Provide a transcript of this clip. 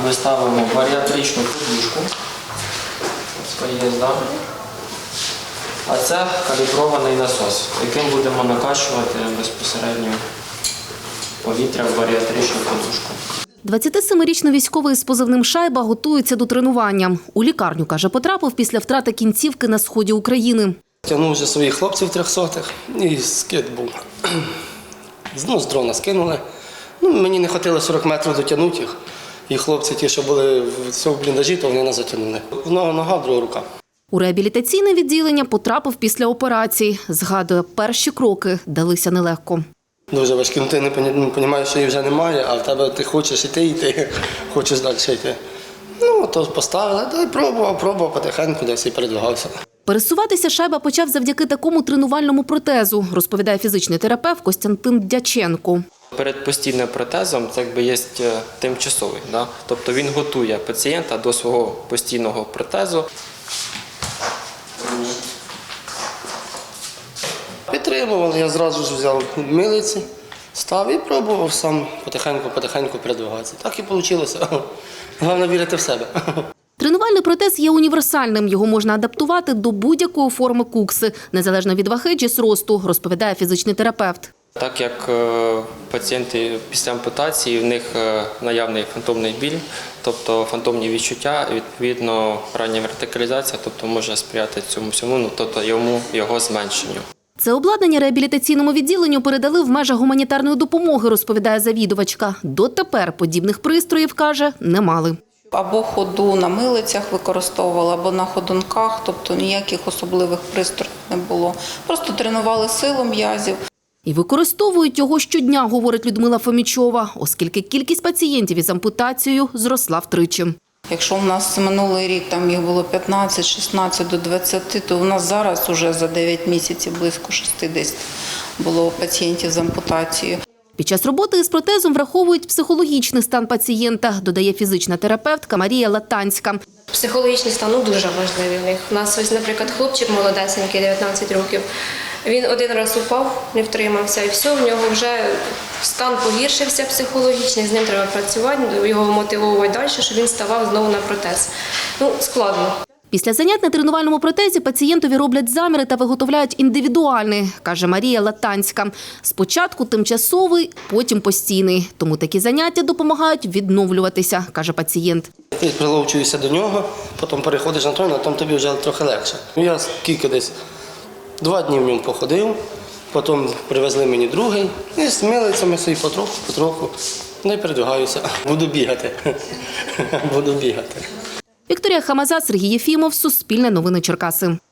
ми ставимо баріатричну подушку. Є, да? А це калібрований насос, яким будемо накачувати безпосередньо повітря в баріатричну подушку. 27-річний військовий з позивним «Шайба» готується до тренування. У лікарню, каже, потрапив після втрати кінцівки на сході України. Тягнув вже своїх хлопців 300-х і скид був. Знову з дрона скинули. Мені не хотіло 40 метрів дотягнути їх. І хлопці ті, що були в бліндажі, то вони нас затягнули. Нога, друга рука. У реабілітаційне відділення потрапив після операції. Згадує, перші кроки далися нелегко. Дуже важкі. Ти не розумієш, що її вже немає, а в тебе ти хочеш йти, хочеш далі йти. То поставили, та й пробував потихеньку, десь і передвигався. Пересуватися «Шайба» почав завдяки такому тренувальному протезу, розповідає фізичний терапевт Костянтин Дяченко. Перед постійним протезом це є тимчасовий. Да? Тобто він готує пацієнта до свого постійного протезу. Підтримували, я зразу ж взяв милиці, став і пробував сам потихеньку передвигатися. Так і вийшло. Головне вірити в себе. Тренувальний протез є універсальним. Його можна адаптувати до будь-якої форми кукси, незалежно від ваги чи зросту, розповідає фізичний терапевт. Так як пацієнти після ампутації, в них наявний фантомний біль, тобто фантомні відчуття, відповідно рання вертикалізація, тобто може сприяти цьому всьому, тобто його зменшенню. Це обладнання реабілітаційному відділенню передали в межах гуманітарної допомоги, розповідає завідувачка. Дотепер подібних пристроїв, каже, не мали. Або ходу на милицях використовували, або на ходунках, тобто ніяких особливих пристроїв не було. Просто тренували силу м'язів. І використовують його щодня, говорить Людмила Фомічова, оскільки кількість пацієнтів із ампутацією зросла втричі. Якщо в нас минулий рік там їх було 15, 16 до 20, то в нас зараз уже за 9 місяців близько 60 було пацієнтів з ампутацією. Під час роботи із протезом враховують психологічний стан пацієнта, додає фізична терапевтка Марія Латанська. Психологічний стан дуже важливий в них. У нас ось, наприклад, хлопчик молодесенький, 19 років. Він один раз упав, не втримався, і все, в нього вже стан погіршився психологічний, з ним треба працювати, його мотивувати далі, щоб він ставав знову на протез. Складно. Після занять на тренувальному протезі пацієнтові роблять заміри та виготовляють індивідуальний, каже Марія Латанська. Спочатку тимчасовий, потім постійний. Тому такі заняття допомагають відновлюватися, каже пацієнт. Ти приловчуєшся до нього, потім переходиш на той, а там тобі вже трохи легше. Я скільки десь 2 дні в ньому походив, потім привезли мені другий, і з милицями собі потроху, не передвигаюся. Буду бігати. Вікторія Хамаза, Сергій Єфімов, Суспільне новини Черкаси.